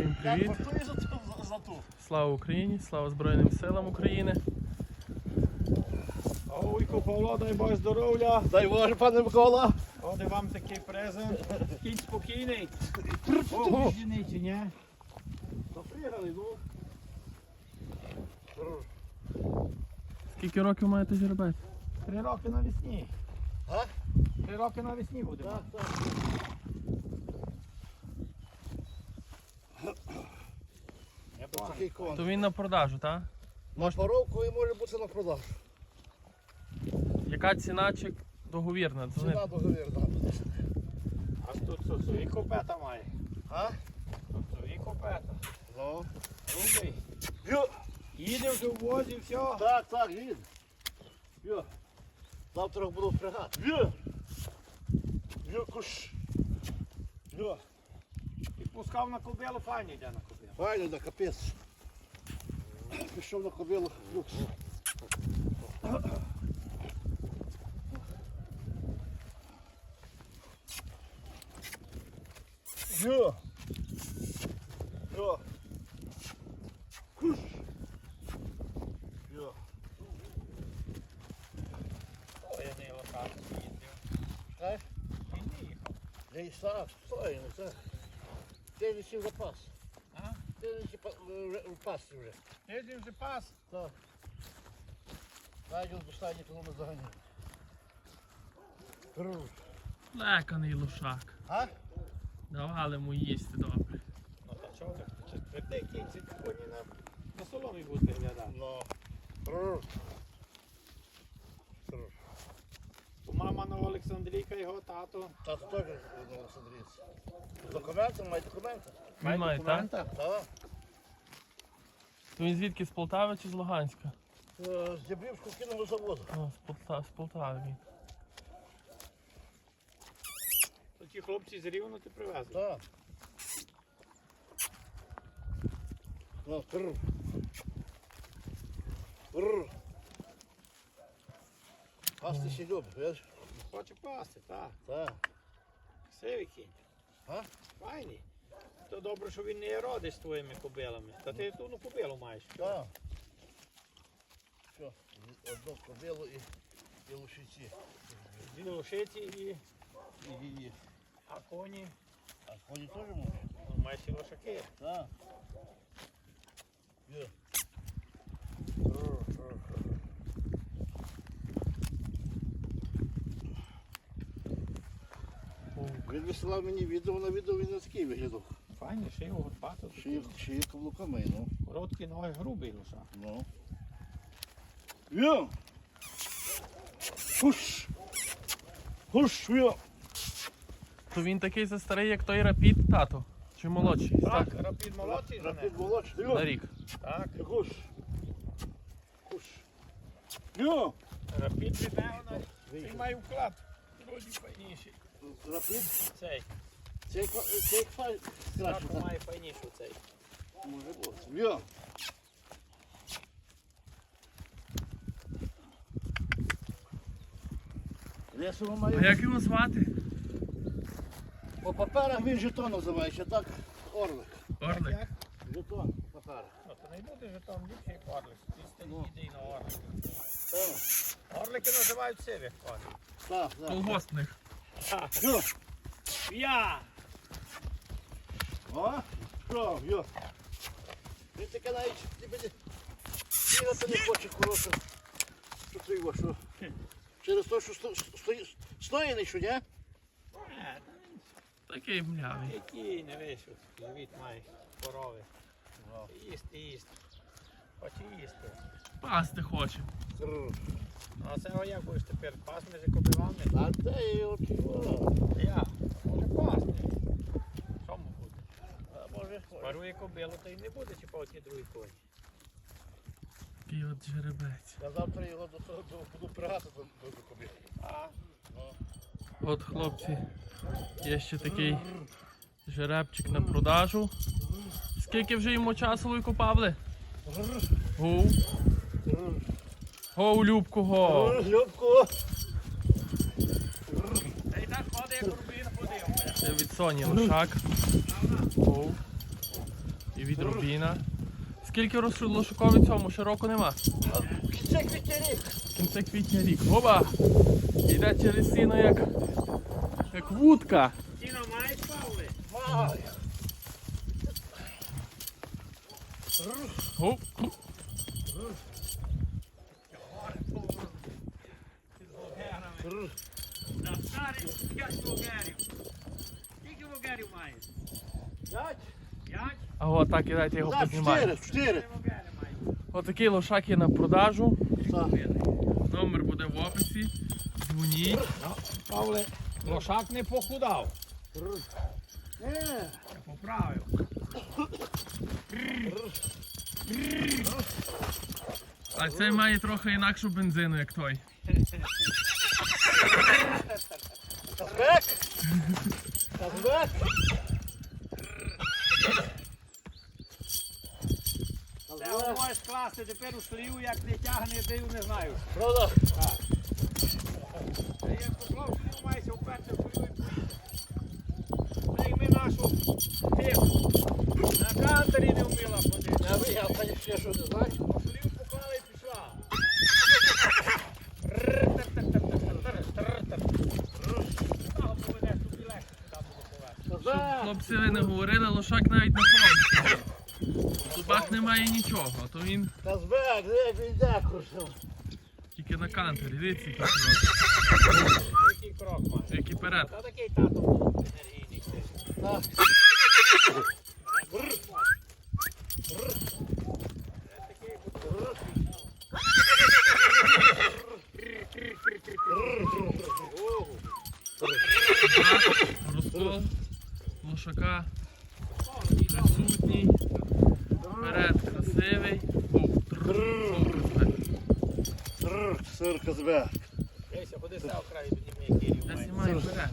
Всім привіт! Слава Україні! Слава Збройним силам України! Вуйко Павло, дай Боже здоров'я! Дай Боже, пане Микола! Оде вам такий презент. Кінь спокійний. Ого. Жіний чи ні? Запрягали, ну. Скільки років маєте жеребець? 3 роки навесні. А? 3 роки навесні буде. Так, так. Я Ось бачу. такий конь. То він на продажу, так? На поровку і може бути на продаж. Яка ціна чи договірна? Ціна договірна. А тут свої копета має. А? Тут свої копета. Ну. Рубий. Йо. Їде вже в возі, все. Так, так, їде. Йо. Завтра буду впрягати. Йо. Йо, куш. Йо. І пускав на кобилу, файні йде на кобилу. Файно, да, капець. Пішов на кобилу. Люкс. Йо. Йо. Куш. Йо. Ой, я не локацію їздив. Знаєш? Він не їхав. Я і сам стою, ну це. Ти не сів запас. А? Ти не сів в пасі вже. Ти вже пас. Так. Найдем достані, тому ми заганяємо. Леканий лошак. А? Давали йому їсти добре. Ну та чого ти? Чи твердий кінь, ці коні на соломі будуть виглядати. Ну. Бо мама на Олександрійка, його тато. Тато теж на Олександрійці. Документи, має документи. Він має, так? Так. То він звідки, з Полтави чи з Луганська? З Дібрівського кінного заводу. О, з Полтави він. То ті хлопці з Рівно ти привезли. Так. Ну, Пасти ще любить, видиш? Хоче пасти, так. Так. Красивий кінь. А? Файний. То добре, що він не родить з твоїми кобилами. Та ти ту кобилу маєш. Так. Що, одну кобилу і лошиці. Дві лошиці і І. а коні. А коні теж можуть? Ну, маєш і лошаки. Так. Є. Він висилав мені відео, на відео він не такий виглядав. Файний, ще його горбато. Ще є каблуками, ну. Короткий ноги, грубий лошак. Ну. Є! Хуш! Хуш, є! То він такий же старий, як той Рапід, тато? Чи молодший? Так, рапід молодший за Рапід ним. молодший, На є! рік. Так, Хуш! Хуш! Є! рапід від нього він має вклад. Вроді файніший. Рапід? Цей. Цей краще, Так, так? має файніший цей. Може бути. Є! Лесово А має. як його звати? По паперах він жетон називається, так? Орлик. Орлик. Як? Жетон, папер. Ну, то не буде же там ліпший орлик. Ти Ну. стій йди на орлик. Так, Орлики називають сивих коней. так, так. Колгоспних. Йо! Я! О, що, йо. Він таке навіть бігати не хоче, хороше. Що ти його, що? Через те, що стоїть, що, ні? Такий млявий. Який не вийшов. Живіт має корови. Їсти. Хоче їсти. Пасти хоче. Кррр. Ну, а це як будеш тепер пасти за кобилами? А де його чого? Я. Може пасти. Чому буде? А може, Парує кобилу, та й не буде чіпати ті другі коні. Такий от жеребець. я завтра його до того буду пригати до кобіли. А? От, хлопці, є ще такий жеребчик на продажу. Скільки вже йому часу ви Павле? Гу. Гоу, Любко, го. Любко! Та й так ходить, як рубін ходив. Це від Соні лошак. Гоу. І від рубіна. Скільки лошакові цьому? Ще року нема. Кінця квітня рік. Кінце квітня рік. Оба! Йде через сіно як вудка. Сіно маєш, Павле? Маю. Оп. На старих 5 вогерів. Скільки вогерів маєш? 5? 5? А от так і дайте його Так, познімаю. 4. Вогери маєш. Отакий лошак є на продажу. Так. Номер буде в описі. Дзвоніть. Павле, лошак не похудав. Не. Поправив. А цей має трохи інакшу бензину, як той. Казбек. Казбек. Це можеш класти тепер у столів, як не тягне, див, не знаю. Правда? Та як поклав столів, маєшся вперше в столів і поїдеш. Прийми нашу тиху. На кантері не вміла ходити. Я вигав, та ще що не знаєш. Столів поклала і пішла. Того поведеш, тобі легше сюди буде повести. Казбек. Хлопці, ви не говорили, лошак навіть не ходить. В зубах немає нічого, то він Казбек, де він йде, курсом. тільки на кантері. Дивіться, який крок. Який крок має? Який перед. Та такий тато був енергійний. Так. Розкол лошака присутній. Перед красивий. Був. Сир Казбек. Дивися, ходи став краю, тоді ми який Я має. знімаю вперед.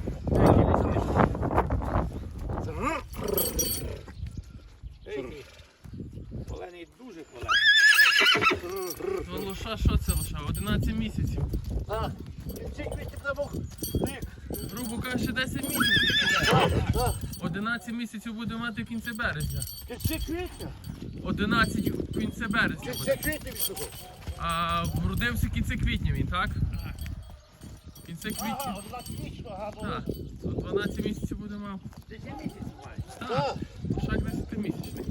Колений дуже колений. То лоша, що це лоша? 11 місяців. Так. Кінці квітня не мог. Грубо кажучи, 10 місяців. Так. 11 місяців буде мати в кінці березня. Кінці квітня. 11 в кінці березня Кінці буде. квітня він сухо. А вродився в кінці квітня він, так? В кінці квітня. Ага, 11-річно, ага, Так. То 12 місяців буде мав. 10 місяців має. Так. Так. Лошак 10-місячний.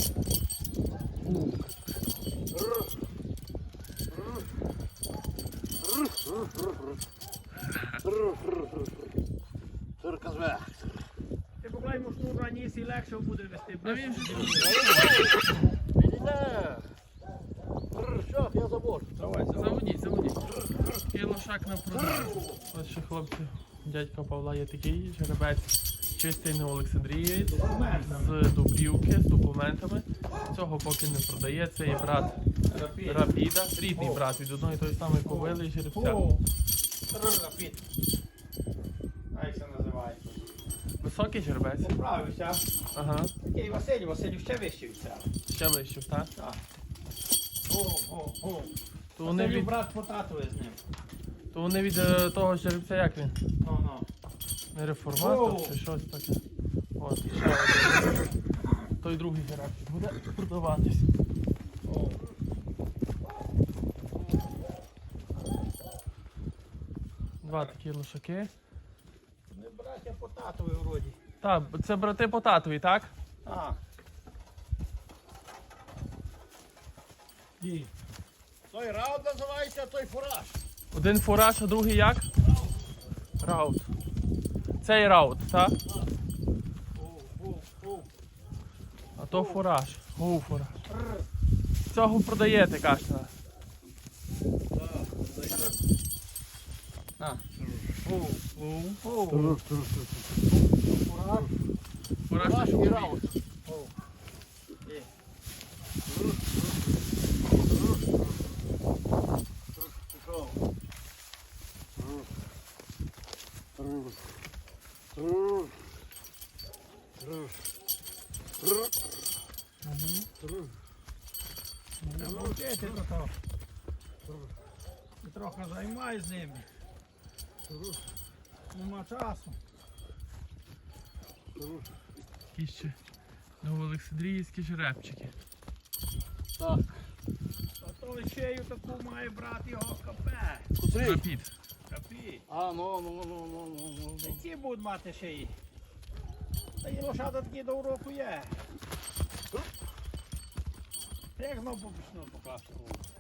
Сир Казбек. Ти поклай йому шнур на ніс і легше буде вести. А він вже Він йде. Що, я забор. Давай, заводіть. Такий лошак на продажу. Ось ще хлопці, дядька Павла є такий жеребець. Чистий не Олександрієць, з Дубрівки, з документами. Цього поки не продає, це є брат Рапіда, рідний брат від одної тої самої ковили і жеребця. Рапід. А як це називається? Високий жеребець. Поправився. Ага. Такий Василь ще вищий від себе. Ще вищив, так? Так. То вони Василю від, брат по татові з ним. то вони від того жеребця як він? Ну. Не реформатор О. чи щось таке. От, ще один. Той другий жеребець буде продаватись. Два такі лошаки. Вони браття по татові вроді. Так, це брати по татові, так? А. І. Той раунд називається, а той фураж. Один фураж, а другий як? Раут. Цей раут, так? А то фураж. Фураж. Цього продаєте, кажете. На. Фураж і раунд. Мовчити то. Ти трохи займай з ними. Нема часу. Такі ще Новоолександрійські жеребчики. Так. А то лишею таку має брати його капе. Котрий? Рапід. Капі. А, ну. Які будуть мати шиї? Та і лошада такі до уроку є. Як знову побічну покласти.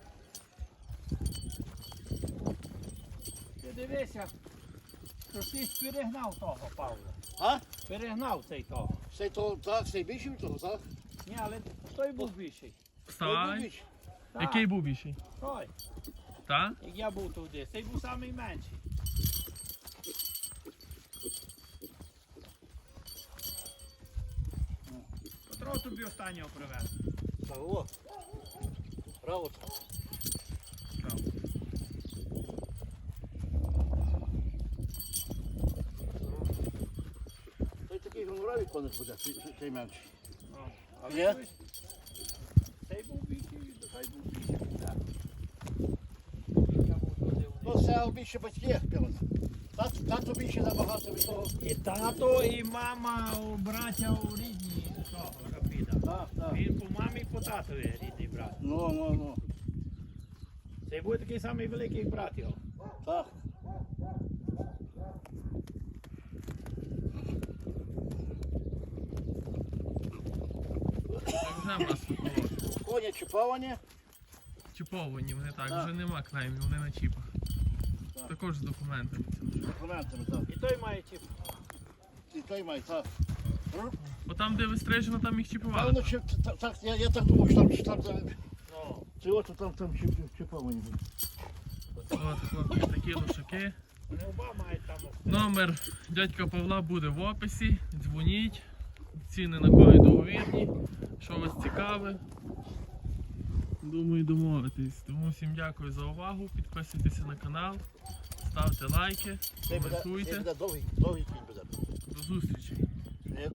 Ти дивися, що ти ж перегнав того, Павла. А? Перегнав цей того. Цей то, так, цей більший від того, так? Ні, але той був більший. Вставай. Так, Який був більший? той, Та? як я був туди. Цей був самий менший. Петро тобі останнього привез. Так, о. Браво. Той такий гоноравий коник буде, цей менший. А Є? Цей був більший, той був більший. Так. Ну, це більше батьки пілота. Тато більше набагато від того. І тато, і мама, браття у рідні того Рапіда. Так. Він по мамі і по татові рідний брат. Ну. Цей буде такий самий великий як брат його. Так. Так вже в нас сухолоки. Коні чіповані. Чіповані, вони так, Так. вже нема клеймів, вони на чіпах. Так. Також з документами. З документами, так. І той має чіп. І той має, так. Бо там, де вистрижено, там їх чіпували. Певно, так, я так думав, що там Ну, це от там чіповані будуть. От, хлопці, такі лошаки. вони оба мають там. Номер дядька Павла буде в описі. Дзвоніть. Ціни на кої договірні. Що вас цікаве. Думаю, домовитись. Тому всім дякую за увагу. Підписуйтеся на канал, ставте лайки, Це буде коментуйте. довгий кінь буде. До зустрічі.